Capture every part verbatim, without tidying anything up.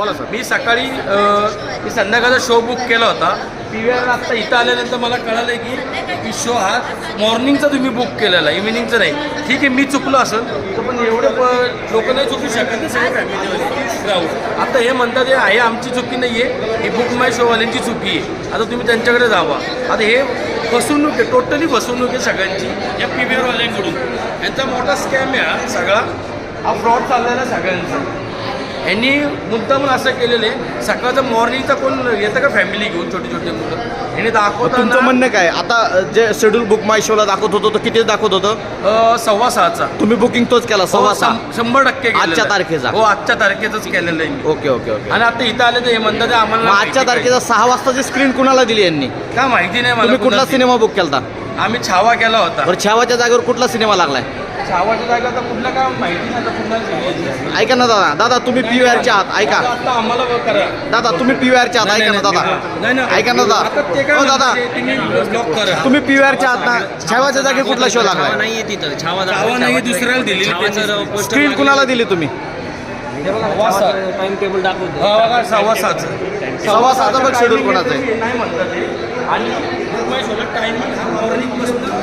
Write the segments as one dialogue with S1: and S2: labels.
S1: बोला सर.
S2: मी सकाळी अ, मी संध्याकाळचा शो बुक केला होता. पी व्ही आर आत्ता इथं आल्यानंतर मला कळालं की की शो हा मॉर्निंगचा तुम्ही बुक केलेला आहे, इव्हिनिंगचा नाही. ठीक आहे, मी चुकलो असेल तर, पण एवढे प लोक नाही चुकू शकत ना, सगळे फॅमिलीवाले राहू. आता हे म्हणतात हे आहे आमची चुकी नाही आहे, ही बुक माय शोवाल्यांची चुकी आहे. आता तुम्ही त्यांच्याकडे जावा. आता हे फसवणूक आहे, टोटली फसवणूक आहे सगळ्यांची या पी व्ही आरवाल्यांकडून. यांचा मोठा स्कॅम आहे हा सगळा, हा फ्रॉड चाललेला आहे सगळ्यांचा. यांनी मुद्दामून असं केलेलं आहे, सकाळचं मॉर्निंगचा कोण येतं का फॅमिली घेऊन छोटी छोटी मुलं, यांनी दाखवतात.
S1: तुमचं म्हणणं काय आता जे शेड्यूल बुक माय शोला दाखवत होतो तो किती दाखवत होतं?
S2: सव्वा सहाचा.
S1: तुम्ही बुकिंग तोच केला सव्वा सहा
S2: शंभर टक्के केलेलं आहे.
S1: आजच्या तारखेचा?
S2: हो, आजच्या तारखेचंच केलेलं आहे मी.
S1: Okay okay okay.
S2: आणि आता इथं आले तर हे म्हणतात ते आम्हाला
S1: मग आजच्या तारखेचा सहा वाजताची स्क्रीन कुणाला दिली यांनी?
S2: काय माहिती नाही
S1: तुम्ही
S2: मला.
S1: कुठला
S2: कुणाला
S1: सिनेमा बुक केला?
S2: दिली. आम्ही छावा केला होता.
S1: बरं, छावाच्या जागेवर कुठला सिनेमा लागलाय?
S2: छावाच्या जागा तर कुठला काय माहिती नाही. आता कुठला
S1: ऐका ना दादा, दादा तुम्ही पी व्ही आरच्या आहात, ऐका
S2: आता आम्हाला करा.
S1: दादा तुम्ही पी व्ही आरच्या आहात, ऐका ना दादा,
S2: नाही नाही
S1: ऐका ना
S2: आता
S1: दादा.
S2: ते काय
S1: हो दादा,
S2: म्हणते, तुम्ही ब्लॉक करा.
S1: तुम्ही पी व्ही आरच्या आहात ना, छावाच्या जागी कुठला शो लागलाय?
S3: नाहीये तिथं छावा
S2: छावा नाही, दुसऱ्याला दिलेली त्यांनी.
S1: स्क्रीन कुणाला दिली तुम्ही?
S2: सव्वा सहा.
S3: टाइम टेबल दाखवतो.
S2: हा बघा, सव्वा सहाचं.
S1: सव्वा सहाचा बघ शेड्यूल कोणाचं आहे?
S2: नाही म्हणतात ते. आणि टायमिंग हा मॉर्निंग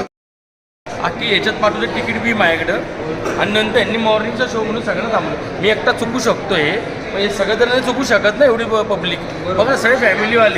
S2: अख्खी याच्यात पाठवलं तिकीट बी माझ्याकडं. आणि नंतर यांनी मॉर्निंगचा शो म्हणून सगळं थांबलं. मी एकटा चुकू शकतो हे, पण हे सगळं तर नाही चुकू शकत ना एवढी पब्लिक. बघा सगळे फॅमिलीवाले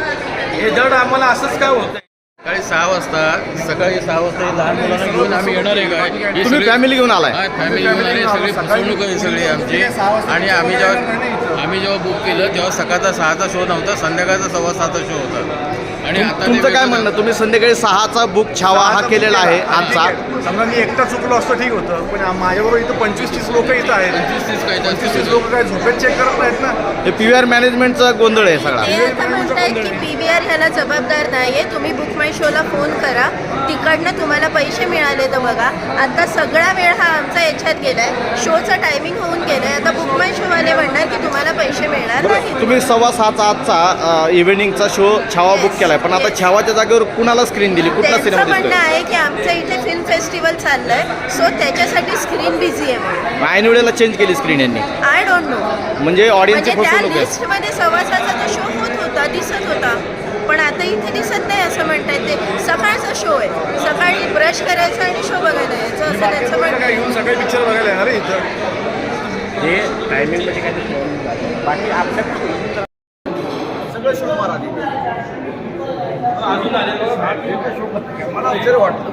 S2: हे जड आम्हाला असंच काय होतं.
S4: सकाळी सहा वाजता सकाळी सहा वाजता हे लहान मुलांना घेऊन आम्ही येणार आहे काय? हे
S1: तुम्ही
S4: सगळे-
S1: फॅमिली घेऊन आलाय?
S4: हा, फॅमिली घेऊन आले, सगळी फसवणूक आहे सगळी आमची. आणि आम्ही जेव्हा आम्ही जेव्हा बुक केलं तेव्हा सकाळचा सहाचा शो नव्हता, संध्याकाळचा सव्वा सहाचा शो होता. आणि आता ते
S1: तुमचं काय
S4: वेगळं-
S1: म्हणणं, तुम्ही संध्याकाळी सहाचा बुक छावा हा केलेला आहे आजचा?
S5: समजा मी एकटा चुकलो असतो ठीक होतं, पण माझ्याबरोबर इथं पंचवीस तीस लोक इथं आहेत.
S4: पंचवीस तीस काय
S5: पंचवीस तीस लोक काय झोपेत चेक करत नाहीत ना.
S1: हे पी व्ही आर मॅनेजमेंटचा गोंधळ आहे सगळा.
S6: हे आता म्हणतायत की पी व्ही आर ह्याला जबाबदार नाहीये, तुम्ही बुक माय शोला फोन करा, तिकडनं तुम्हाला पैसे मिळाले तर बघा. आता सगळा वेळ हा आमचा याच्यात गेलाय, शोचा टायमिंग होऊन गेलाय. आता बुक माय शोवाले म्हणणार की तुम्हाला पैसे मिळणार नाही.
S1: तुम्ही सव्वा सहाचा आजचा इव्हिनिंगचा शो छावा बुक केलाय, पण आता छावाच्या जागेवर कुणाला स्क्रीन दिली? कुठला
S6: त्यांचं
S1: सिनेमा
S6: म्हणणं
S1: दिसतोय?
S6: आहे की आमचं इथे फिल्म फेस्टिवल चाललंय, सो त्याच्यासाठी स्क्रीन बिझी आहे म्हणून.
S1: ऐन वेळेला चेंज केली स्क्रीन यांनी,
S6: आय डोंट नो.
S1: म्हणजे ऑडियन्सची
S6: म्हणजे त्या
S1: फसवणूक आहे.
S6: लिस्टमध्ये सव्वा सहाचा तो शो होत होता, दिसत होता, पण आता इथे दिसत नाही असं म्हणतायत. ते सकाळचा शो आहे, सकाळी ब्रश करायचं आणि शो बघायला यायचं असं त्यांचं म्हणणं
S5: काय
S6: आहे.
S5: येऊन सगळे पिक्चर बघायला येणार आहे इथं.
S2: हे टायमिंगमध्ये काय बाकी आपल्या
S1: सगळं शो मारा आधी.
S2: अजून आलेलं
S5: मला आश्चर्य वाटतं.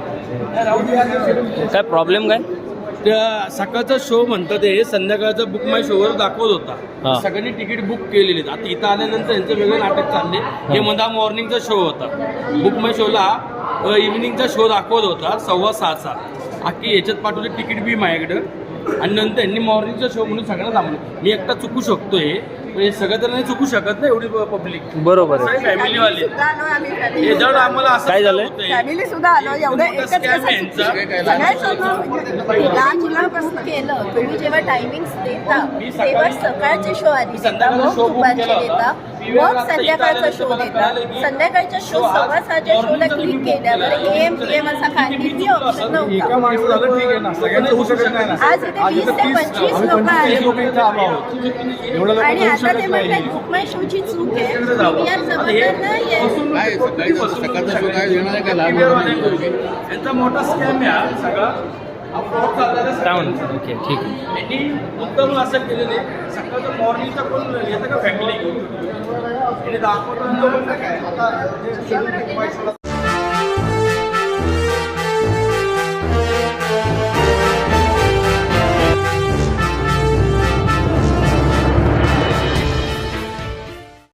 S3: काय प्रॉब्लेम काय?
S2: त्या सकाळचा शो म्हणतात हे संध्याकाळचा बुक माय शोवर दाखवत होता.
S3: हा.
S2: सगळ्यांनी तिकीट बुक केलेली आहेत. आता इथं आल्यानंतर यांचं वेगळं नाटक चालले. हे म्हणता मॉर्निंगचा शो होता, बुक माय शोला इव्हिनिंगचा शो दाखवत होता सव्वा सहाचा. अख्खी याच्यात पाठवले तिकीट बी माझ्याकडं. आणि नंतर यांनी मॉर्निंगचा शो म्हणून सगळं थांबलं. मी एकटा चुकू शकतो हे, पण हे सगळं तर नाही चुकू शकत ना एवढी पब्लिक.
S3: बरोबर आहे.
S2: सगळे फॅमिलीवाले
S6: सुद्धा आलो आम्ही
S2: हे
S6: family.
S2: जड आम्हाला असं
S3: काय झालंय?
S6: फॅमिली सुद्धा आलो एवढं एकच
S2: स्कॅम आहे यांचा.
S6: लहान मुलांपासून केलं. तुम्ही जेव्हा टायमिंग्स देता
S2: मी सकाळी-
S6: तेव्हा सकाळचे शो आधी
S2: मी
S6: देता,
S2: संध्याकाळचा
S6: मग
S2: शो बुक
S6: दुपारचे
S2: केला
S6: देता,
S2: होता. पी व्ही आर
S6: मग
S2: आता
S6: संध्याकाळचा
S2: इथं
S6: शो
S2: आल्यानंतर
S6: देता.
S2: मला कळालं की
S6: संध्याकाळच्या शो
S2: शो आज
S6: सव्वा सहाच्या शोला
S2: मॉर्निंगचा
S6: क्लिक
S2: तुम्ही
S6: केल्यावर
S2: बुक केला.
S6: एम पी एम असा काहीही ऑप्शन
S5: एका
S6: नव्हता.
S5: माणसाला झालं ठीक आहे ना, सगळ्यांचं होऊ शकत नाही ना.
S6: आज इथे वीस ते पंचवीस
S5: आम्ही
S6: लोक
S5: पंचवीस लोक
S6: आहेत
S5: इथं आलो आहोत. एवढं लोक
S6: आणि
S5: होऊ
S6: आता ते
S5: शकत
S6: म्हणतात
S5: नाही.
S6: बुक माय शोची चूक आहे, पी व्ही आर जबाबदार नाहीये.
S4: काय सकाळी सकाळचा शो काय येणार आहे का लहान मुलांना?
S2: यांचा मोठा स्कॅम आहे हा सगळा. हा fraud चाललेला आहे.
S3: काय म्हणतो? ओके ठीक आहे.
S2: यांनी मुद्दामून असं केलेले, सकाळचं मॉर्निंगचा कोण येतं का फॅमिली घेऊन, यांनी दाखवतात.